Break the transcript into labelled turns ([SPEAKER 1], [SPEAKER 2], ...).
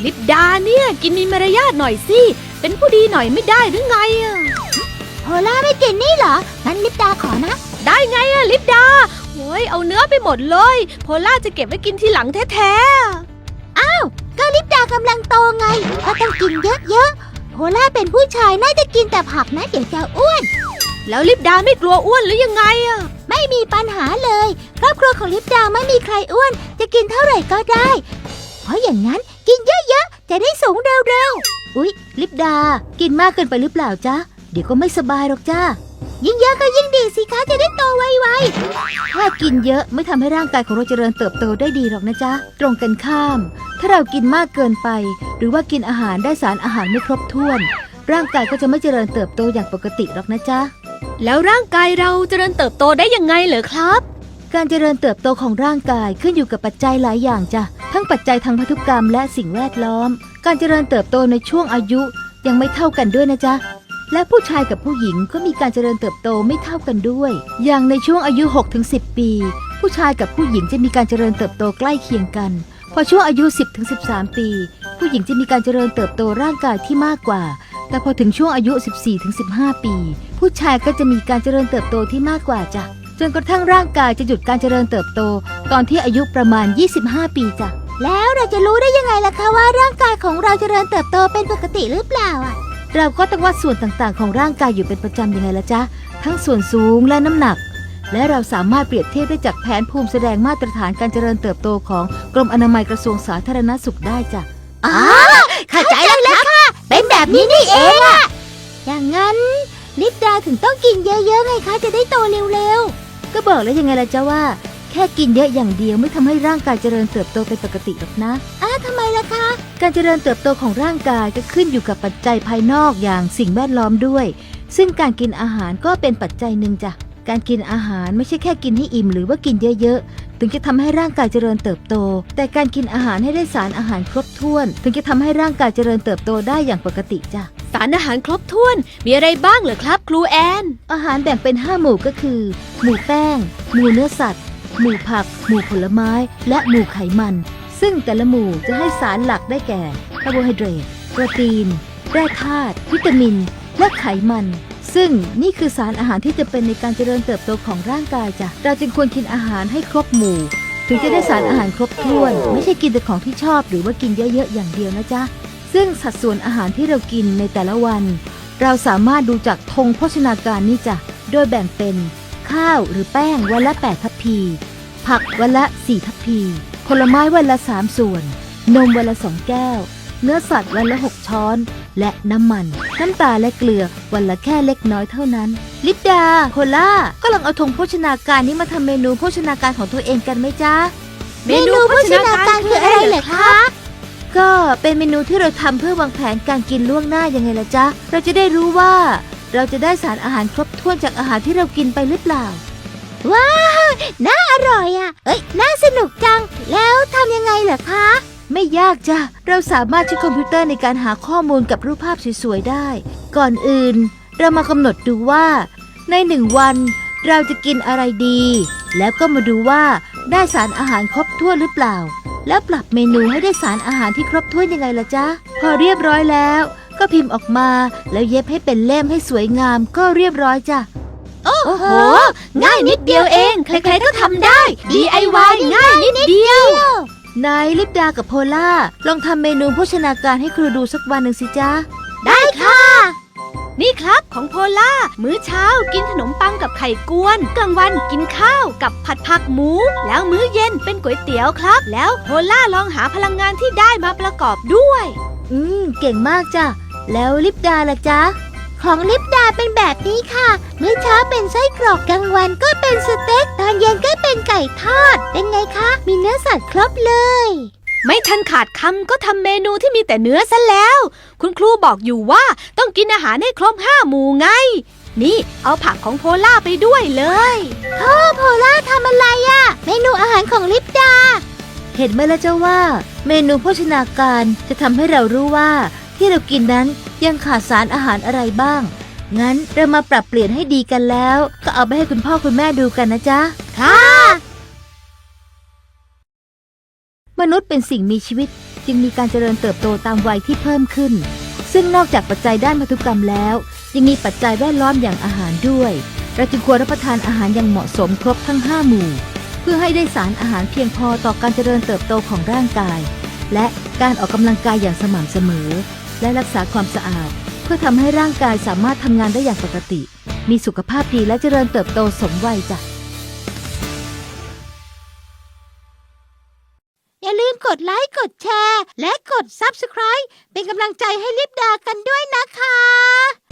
[SPEAKER 1] ลิปดาเนี่ยกินมีมารยาทหน่อยสิเป็นผู้ดีหน่อยไม่ได้หรือไงอะ
[SPEAKER 2] โพล่าไม่กินนี่เหรองั้นลิปดาขอนะ
[SPEAKER 1] ได้ไงอะลิปดาโอ้ยเอาเนื้อไปหมดเลยโพล่าจะเก็บไว้กินทีหลังแท้
[SPEAKER 2] ก็ลิปดากำลังโตไงก็ต้องกินเยอะๆโพล่าเป็นผู้ชายน่าจะกินแต่ผักนะเดี๋ยวจะอ้วน
[SPEAKER 1] แล้วลิปดาไม่กลัวอ้วนหรือยังไงอะ
[SPEAKER 2] ไม่มีปัญหาเลยครอบครัวของลิปดาไม่มีใครอ้วนจะกินเท่าไหร่ก็ได้เพราะอย่างนั้นกินเยอะๆจะได้สูงเร็วๆอุ๊ยลิปดากินมากเกินไปหรือเปล่าจ๊ะเดี๋ยวก็ไม่สบายหรอกจ้ายิ่งเยอะก็ยิ่งดีสิคะจะได้โตไวๆถ้ากินเยอะไม่ทำให้ร่างกายของเราเจริญเติบโตได้ดีหรอกนะจ๊ะตรงกันข้ามถ้าเรากินมากเกินไปหรือว่ากินอาหารได้สารอาหารไม่ครบถ้วนร่างกายก็จะไม่เจริญเติบโตอย่างปกติหรอกนะจ๊ะ
[SPEAKER 1] แล้วร่างกายเราเจริญเติบโตได้ยังไงเหรอครับ
[SPEAKER 2] การเจริญเติบโตของร่างกายขึ้นอยู่กับปัจจัยหลายอย่างจ้ะทั้งปัจจัยทางพันธุกรรมและสิ่งแวดล้อมการเจริญเติบโตในช่วงอายุยังไม่เท่ากันด้วยนะจ๊ะและผู้ชายกับผู้หญิงก็มีการเจริญเติบโตไม่เท่ากันด้วยอย่างในช่วงอายุ 6-10 ปีผู้ชายกับผู้หญิงจะมีการเจริญเติบโตใกล้เคียงกันพอช่วงอายุ 10-13 ปีผู้หญิงจะมีการเจริญเติบโตร่างกายที่มากกว่าแต่พอถึงช่วงอายุ 14-15 ปีผู้ชายก็จะมีการเจริญเติบโตที่มากกว่าจ้ะจนกระทั่งร่างกายจะหยุดการเจริญเติบโตตอนที่อายุประมาณ 25 ปีจ้ะแล้วเราจะรู้ได้ยังไงล่ะคะว่าร่างกายของเราเจริญเติบโตเป็นปกติหรือเปล่าเราก็ต้องวัดส่วนต่างๆของร่างกายอยู่เป็นประจำยังไงล่ะจ๊ะทั้งส่วนสูงและน้ำหนักและเราสามารถเปรียบเทียบได้จากแผนภูมิแสดงมาตรฐานการเจริญเติบโตของกรมอนามัยกระทรวงสาธารณสุขได้จ้ะเข้าใจแล้วค่ะเป็นแบบนี้นี่เองอะอย่างนั้นลิปดาถึงต้องกินเยอะๆไงคะจะได้โตเร็วๆก็บอกแล้วยังไงล่ะจ๊ะว่าแค่กินเยอะอย่างเดียวไม่ทำให้ร่างกายเจริญเติบโตเป็นปกติหรอกนะทำไมล่ะคะการเจริญเติบโตของร่างกายก็ขึ้นอยู่กับปัจจัยภายนอกอย่างสิ่งแวดล้อมด้วยซึ่งการกินอาหารก็เป็นปัจจัยหนึ่งจ้ะการกินอาหารไม่ใช่แค่กินให้อิ่มหรือว่ากินเยอะๆถึงจะทำให้ร่างกายเจริญเติบโตแต่การกินอาหารให้ได้สารอาหารครบถ้วนถึงจะทำให้ร่างกายเจริญเติบโตได้อย่างปกติจ้ะ
[SPEAKER 1] สารอาหารครบถ้วนมีอะไรบ้างเหรอครับครูแอน
[SPEAKER 2] อาหารแบ่งเป็น5หมู่ก็คือหมู่แป้งหมู่เนื้อสัตว์หมู่ผักหมู่ผลไม้และหมู่ไขมันซึ่งแต่ละหมู่จะให้สารหลักได้แก่คาร์โบไฮเดรตโปรตีนแร่ธาตุวิตามินและไขมันซึ่งนี่คือสารอาหารที่จะเป็นในการเจริญเติบโตของร่างกายจ้ะเราจึงควรกินอาหารให้ครบหมู่ถึงจะได้สารอาหารครบถ้วนไม่ใช่กินแต่ของที่ชอบหรือว่ากินเยอะๆอย่างเดียวนะจ๊ะซึ่งสัดส่วนอาหารที่เรากินในแต่ละวันเราสามารถดูจากธงโภชนาการนี่จ้ะโดยแบ่งเป็นข้าวหรือแป้งวันละ8ทัพพีผักวันละ4ทัพพีผลไม้วันละ3ส่วนนมวันละ2แก้วเนื้อสัตว์วันละ6ช้อนและน้ำมันน้ำตาลและเกลือวันละแค่เล็กน้อยเท่านั้นลิปดาโพล่าก็ลองเอาธงโภชนาการนี้มาทำเมนูโภชนาการของตัวเองกันไหมจ๊ะ
[SPEAKER 1] เมนูโภชนาการคืออะไรเหรอคะ
[SPEAKER 2] ก็เป็นเมนูที่เราทำเพื่อวางแผนการกินล่วงหน้ายังไงล่ะจ๊ะเราจะได้รู้ว่าเราจะได้สารอาหารครบถ้วนจากอาหารที่เรากินไปหรือเปล่าว้าวน่าอร่อยอ่ะน่าสนุกจังแล้วทำยังไงเหรอคะไม่ยากจ้ะเราสามารถใช้คอมพิวเตอร์ในการหาข้อมูลกับรูปภาพสวยๆได้ก่อนอื่นเรามากำหนดดูว่าใน1วันเราจะกินอะไรดีแล้วก็มาดูว่าได้สารอาหารครบถ้วนหรือเปล่าแล้วปรับเมนูให้ได้สารอาหารที่ครบถ้วนยังไงล่ะจ๊ะพอเรียบร้อยแล้วก็พิมพ์ออกมาแล้วเย็บให้เป็นเล่มให้สวยงามก็เรียบร้อยจ้ะ
[SPEAKER 1] โอ้โหง่ายนิดเดียวเองใครๆก็ทำได้ DIY ง่ายนิดเดีย
[SPEAKER 2] วนายลิปดากับโพล่าลองทำเมนูโภชนาการให้ครูดูสักวันหนึ่งสิจ๊ะ
[SPEAKER 1] ได้ค่ะนี่ครับของโพล่ามื้อเช้ากินขนมปังกับไข่กวนกลางวันกินข้าวกับผัดผักหมูแล้วมื้อเย็นเป็นก๋วยเตี๋ยวครับแล้วโพล่าลองหาพลังงานที่ได้มาประกอบด้วย
[SPEAKER 2] เก่งมากจ้ะแล้วลิปดาล่ะจ๊ะของลิปดาเป็นแบบนี้ค่ะมื้อเช้าเป็นไส้กรอกกลางวันก็เป็นสเต็กตอนเย็นก็เป็นไก่ทอดเป็นไงคะมีเนื้อสัตว์ครบเลย
[SPEAKER 1] ไม่ทันขาดคำก็ทำเมนูที่มีแต่เนื้อซะแล้วคุณครูบอกอยู่ว่าต้องกินอาหารให้ครบ5หมู่ไงนี่เอาผักของโพล่าไปด้วยเลย
[SPEAKER 2] โพล่าทำอะไรอะเมนูอาหารของลิปดาเห็นไหมล่ะเจ้าว่าเมนูโภชนาการจะทำให้เรารู้ว่าที่เรากินนั้นยังขาดสารอาหารอะไรบ้างงั้นเรามาปรับเปลี่ยนให้ดีกันแล้วก็เอาไปให้คุณพ่อคุณแม่ดูกันนะจ๊ะ
[SPEAKER 1] ค่ะ
[SPEAKER 2] มนุษย์เป็นสิ่งมีชีวิตจึงมีการเจริญเติบโตตามวัยที่เพิ่มขึ้น ซึ่งนอกจากปัจจัยด้านพันธุกรรมแล้วยังมีปัจจัยแวดล้อมอย่างอาหารด้วยเราจึงควรรับประทานอาหารอย่างเหมาะสมครบทั้ง5หมู่เพื่อให้ได้สารอาหารเพียงพอต่อการเจริญเติบโตของร่างกายและการออกกำลังกายอย่างสม่ำเสมอและรักษาความสะอาดเพื่อทำให้ร่างกายสามารถทำงานได้อย่างปกติมีสุขภาพดีและเจริญเติบโตสมวัยจ้ะอย่าลืมกดไลค์กดแชร์และกด Subscribe เป็นกำลังใจให้ลิปดากันด้วยนะคะ